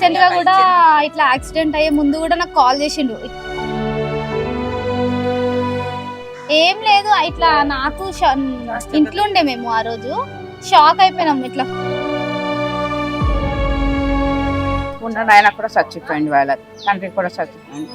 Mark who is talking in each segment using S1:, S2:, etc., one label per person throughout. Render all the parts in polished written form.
S1: Recent గా కూడా ఇట్లా యాక్సిడెంట్ అయ్యే ముందు కూడా నాకు కాల్ చేసిండు. ఏం లేదు, ఇట్లా నాకు ఇంట్లో ఉండే మేము ఆ రోజు షాక్ అయిపోయినాం. ఇట్లా
S2: ఉన్న ఆయన కూడా చచ్చిపోయింది, వాళ్ళ తండ్రి కూడా చచ్చిపోయింది.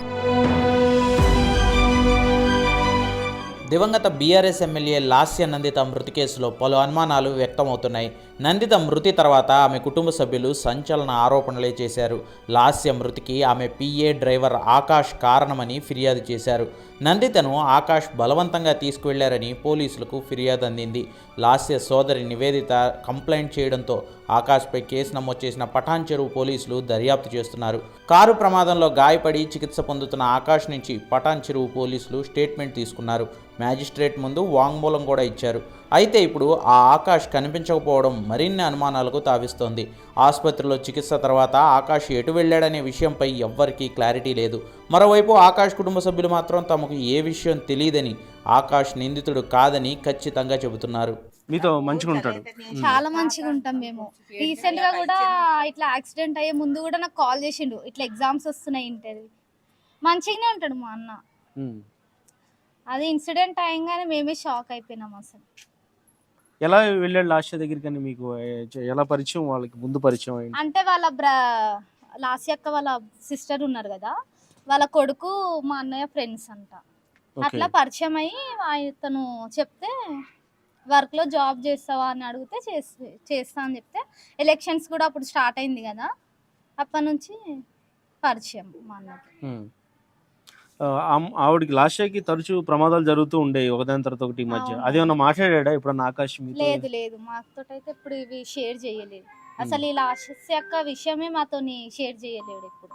S3: దివంగత బీఆర్ఎస్ ఎమ్మెల్యే లాస్య నందిత మృతి కేసులో పలు అనుమానాలు వ్యక్తమవుతున్నాయి. నందిత మృతి తర్వాత ఆమె కుటుంబ సభ్యులు సంచలన ఆరోపణలే చేశారు. లాస్య మృతికి ఆమె పిఏ డ్రైవర్ ఆకాష్ కారణమని ఫిర్యాదు చేశారు. నందితను ఆకాష్ బలవంతంగా తీసుకువెళ్లారని పోలీసులకు ఫిర్యాదు అందింది. లాస్య సోదరి నివేదిత కంప్లైంట్ చేయడంతో ఆకాష్పై కేసు నమోదు చేసిన పఠాన్ చెరువు పోలీసులు దర్యాప్తు చేస్తున్నారు. కారు ప్రమాదంలో గాయపడి చికిత్స పొందుతున్న ఆకాష్ నుంచి పఠాన్ చెరువు పోలీసులు స్టేట్మెంట్ తీసుకున్నారు. మ్యాజిస్ట్రేట్ ముందు వాంగ్మూలం కూడా ఇచ్చారు. అయితే ఇప్పుడు ఆ ఆకాష్ కనిపించకపోవడం మరిన్ని అనుమానాలకు తావిస్తోంది. ఆసుపత్రిలో చికిత్స తర్వాత ఆకాష్ ఎటు వెళ్ళాడనే విషయంపై ఎవ్వరికీ క్లారిటీ లేదు. మరోవైపు ఆకాష్ కుటుంబ సభ్యులు మాత్రం తమకు ఏ విషయం తెలియదని, ఆకాష్ నిందితుడు కాదని ఖచ్చితంగా చెబుతున్నారు.
S4: మీతో మంచిగా ఉంటాడు,
S1: చాలా మంచిగా ఉంటాం మేము. రీసెంట్ గా కూడా ఇట్లా యాక్సిడెంట్ అయ్యే ముందు కూడా నాకు కాల్ చేసిండు. ఇట్లా ఎగ్జామ్స్ వస్తున్నాయి ఇంటర్వ్యూ, మంచిగానే ఉంటాడు మా అన్న. అది ఇన్సిడెంట్ అయ్యంగానే మేమే షాక్ అయిపోయినాం అసలు.
S4: ఎలా వెళ్ళాడు లాస్య దగ్గరికి అని మీకు ఎలా పరిచయం, వాళ్ళకి ముందు పరిచయం అయింది?
S1: అంటే వాళ్ళ లాస్య అక్క వాళ్ళ సిస్టర్ ఉన్నారు కదా, వాళ్ళ కొడుకు మా అన్నయ్య ఫ్రెండ్స్ అంట. అట్లా పరిచయం అయ్యి తను చెప్తే వర్క్ లో జాబ్ చేస్తావా అని అడిగితే చేస్తా అని చెప్తే, ఎలక్షన్స్ కూడా అప్పుడు స్టార్ట్ అయింది కదా, అప్పటి నుంచి పరిచయం మా అన్నకి.
S4: ఆవిడకి లాస్యకి తరచూ ప్రమాదాలు జరుగుతూ ఉండేవి ఒకదాని తర్వాత ఒకటి మధ్య. అదేమన్నా మాట్లాడా ఎప్పుడన్నా ఆకాష్?
S1: లేదు లేదు, మాతో అయితే ఇప్పుడు ఇవి షేర్ చేయలేదు అసలు. ఈ లాస్య అక్క విషయమే మాతో షేర్ చేయలేడు ఇప్పుడు.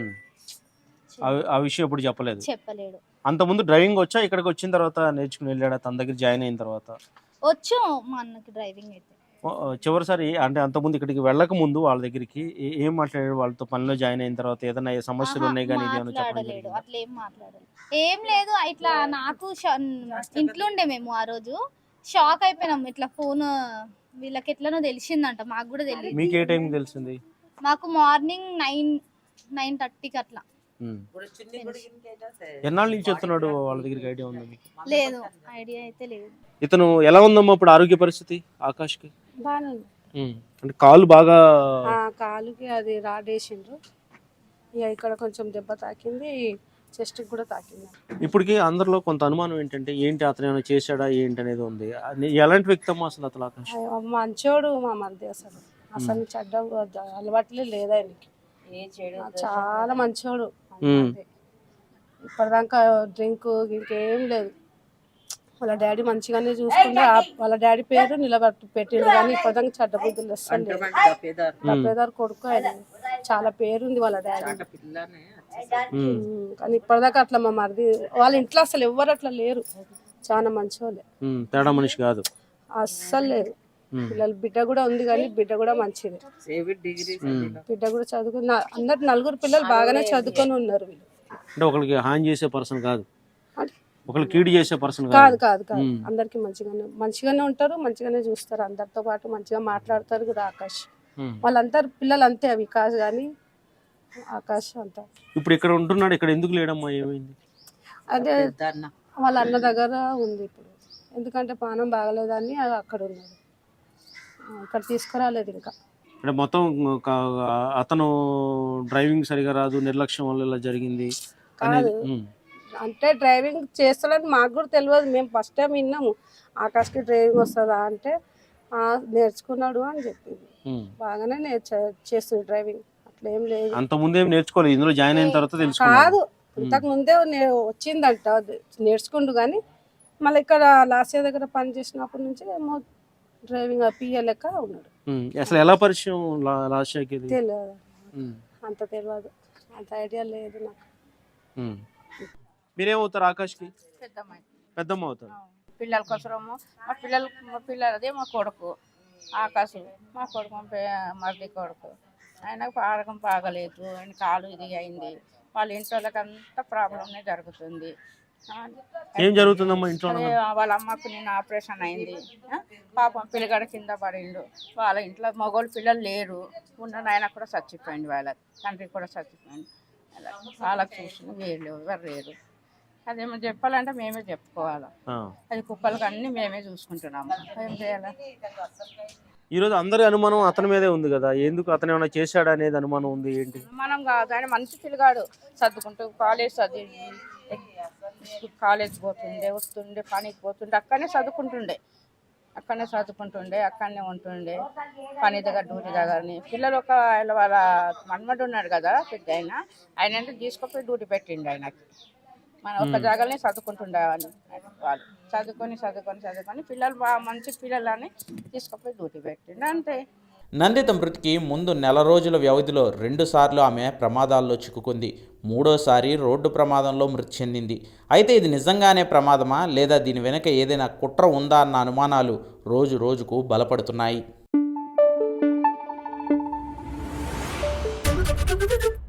S4: ఆ విషయం ఎప్పుడు
S1: చెప్పలేడు.
S4: అంత ముందు డ్రైవింగ్ వచ్చా? ఇక్కడికి వచ్చిన తర్వాత నేర్చుకుని వెళ్ళాడా? తన దగ్గర జాయిన్ అయిన తర్వాత
S1: వచ్చు మా అన్నకి డ్రైవింగ్ అయితే.
S4: చివరిసారి అంటే అంతకుముందు ఇక్కడికి వెళ్ళక ముందు వాళ్ళ దగ్గరికి ఏం మాట్లాడాడు? వాళ్ళతో పనిలో జాయిన్ అయిన తర్వాత ఏదైనా సమస్యలు ఉన్నాయి కానీ
S1: మాట్లాడలేడు, అట్లా ఏం మాట్లాడలేదు. ఏం లేదు, ఇట్లా నాకు ఇంట్లో ఉండే మేము ఆ రోజు షాక్ అయిపోయినాం. ఇట్లా ఫోన్ వీళ్ళకి ఎట్లనో తెలిసిందంట, మాకు కూడా తెలియదు.
S4: మీకు ఏ టైం తెలిసింది?
S1: మాకు మార్నింగ్ 9:30కి అట్లా.
S4: ఎన్నాళ్ళ నుంచి చెప్తున్నాడు? వాళ్ళ దగ్గరికి ఐడియా ఉందా మీకు?
S1: లేదు, ఐడియా అయితే లేదు.
S4: ఇతను ఎలా ఉందమ్మా ఇప్పుడు ఆరోగ్య పరిస్థితి ఆకాష్కి?
S5: బాగానే
S4: అంటే కాలు బాగా,
S5: కాలుకి అది రాడేసిండ్రు, ఇక ఇక్కడ కొంచెం దెబ్బ తాకింది, చెస్ట్ కూడా తాకింది.
S4: ఇప్పటికి అందరిలో కొంత అనుమానం ఏంటంటే ఏంటి అతను ఏమైనా చేశాడా ఏంటి అనేది ఉంది. ఎలాంటి వ్యక్తి అమ్మా అసలు అతను ఆకాష్?
S5: మంచోడు మా మధ్య, అసలు చెడ్డ అలవాట్లే లేదు ఆయనకి, చాలా మంచోడు. ఇప్పటిదాకా డ్రింక్ ఇంకేం లేదు. వాళ్ళ డాడీ మంచిగానే చూసుకుంటే వాళ్ళ డాడీ పేరు పెట్టిండు, కానీ ఇప్పటిదాకా చెడ్డ బుద్ధులు వస్తుంది. తప్పేదారు కొడుకు ఆయన, చాలా పేరుంది వాళ్ళ డాడీ, కానీ ఇప్పటిదాకా అట్లా మా మరిది వాళ్ళ ఇంట్లో అసలు ఎవ్వరు అట్లా లేరు. చాలా మంచోళ్ళే,
S4: తేడా మనిషి కాదు
S5: అస్సలు లేదు. పిల్లలు బిడ్డ కూడా ఉంది, కానీ బిడ్డ కూడా మంచిది. బిడ్డ కూడా చదువుకుని అందరు 4 పిల్లలు బాగానే చదువుకొని ఉన్నారు. వీళ్ళు
S4: అంటే ఒకరికి హాని చేసే పర్సన్ కాదు, ఒకరికి కీడు చేసే పర్సన్
S5: కాదు. అందరికి మంచిగానే ఉంటారు, మంచిగానే చూస్తారు, అందరితో పాటు మంచిగా మాట్లాడతారు కూడా. ఆకాష్ వాళ్ళంతా పిల్లలు అంతే, వికాస్ కానీ ఆకాష్ అంతా.
S4: ఇప్పుడు ఇక్కడ ఉంటున్నాడు, ఇక్కడ ఎందుకు లేడమ్మా? ఏమైంది?
S5: అదే వాళ్ళ అన్న దగ్గర ఉంది ఇప్పుడు, ఎందుకంటే పానం బాగలేదని అక్కడ ఉన్నాడు, ఇక్కడ తీసుకురాలేదు ఇంకా.
S4: అంటే మొత్తం అతను డ్రైవింగ్ సరిగా రాదు, నిర్లక్ష్యం వల్ల ఇలా జరిగింది
S5: కాదు. అంటే డ్రైవింగ్ చేస్తాడని మాకు కూడా తెలియదు, మేము ఫస్ట్ టైం విన్నాము. ఆకాష్కి డ్రైవింగ్ వస్తుందా అంటే నేర్చుకున్నాడు అని చెప్పింది. బాగానే చేస్తుంది డ్రైవింగ్, అట్లా ఏం లేదు.
S4: అంత ముందే నేర్చుకోలేదు, ఇందులో జాయిన్ అయిన తర్వాత తెలుసుకున్నాడు.
S5: కాదు, ఇంతకు ముందే వచ్చిందంట, నేర్చుకుండు. కానీ మళ్ళీ ఇక్కడ లాస్య దగ్గర పని చేసినప్పటి నుంచి ఏమో డ్రైవింగ్ పిఏ లెక్క ఉన్నాడు.
S4: అసలు ఎలా పరిచయం లాస్యకి?
S5: తెలియదు, అంత తెలియదు, అంత ఐడియా లేదు నాకు.
S4: మీరేమవుతారు ఆకాష్కి? పెద్దమ్మ అవుతారు.
S2: పిల్లల కోసము మా పిల్లలదే మా కొడుకు ఆకాశం, మా కొడుకు మరిది కొడుకు. ఆయనకు పాడకం బాగలేదు, ఆయన కాలు ఇది అయింది. వాళ్ళ ఇంట్లో అంతా ప్రాబ్లమ్నే జరుగుతుంది.
S4: ఏం జరుగుతుందమ్మా ఇంట్లో?
S2: అదే వాళ్ళ అమ్మకు నిన్న ఆపరేషన్ అయింది. పాపం పిల్లగాడు కింద పడిండు. వాళ్ళ ఇంట్లో మగవాళ్ళు పిల్లలు లేరు. ఉన్న నాయన కూడా చచ్చిపోయింది, వాళ్ళ తండ్రి కూడా చచ్చిపోయింది. అలా వాళ్ళకి చూసిన వీళ్ళు ఎవరు లేరు. అదేమో చెప్పాలంటే మేమే చెప్పుకోవాలి. అది కుక్కలకి అన్ని మేమే చూసుకుంటున్నాము. ఏం చేయాలి?
S4: ఈరోజు అందరి అనుమానం అతని మీదే ఉంది కదా, ఎందుకు అతను ఏమైనా చేశాడు అనేది అనుమానం ఉంది. ఏంటి
S2: మనం కాదు, ఆయన మంచి పిల్లగాడు, చదువుకుంటూ కాలేజ్ చదివి కాలేజ్ పోతుండే, వస్తుండే, పనికి పోతుండే, అక్కడనే చదువుకుంటుండే, అక్కడనే ఉంటుండే, పని దగ్గర డ్యూటీ దగ్గరని. పిల్లలు ఒక వాళ్ళ మన్మడు ఉన్నాడు కదా పెద్ద ఆయన అంటే తీసుకుపోయి డ్యూటీ పెట్టిండు ఆయనకి. మన ఒక జాగాలనే చదువుకుంటుండే వాళ్ళు చదువుకొని పిల్లలు బాగా మంచి పిల్లలని తీసుకుపోయి డ్యూటీ పెట్టిండు అంతే.
S3: నందిత మృతికి ముందు నెల రోజుల వ్యవధిలో 2 సార్లు ఆమె ప్రమాదాల్లో చిక్కుకుంది. 3వసారి రోడ్డు ప్రమాదంలో మృతి చెందింది. అయితే ఇది నిజంగానే ప్రమాదమా లేదా దీని వెనుక ఏదైనా కుట్ర ఉందా అన్న అనుమానాలు రోజు రోజుకు బలపడుతున్నాయి.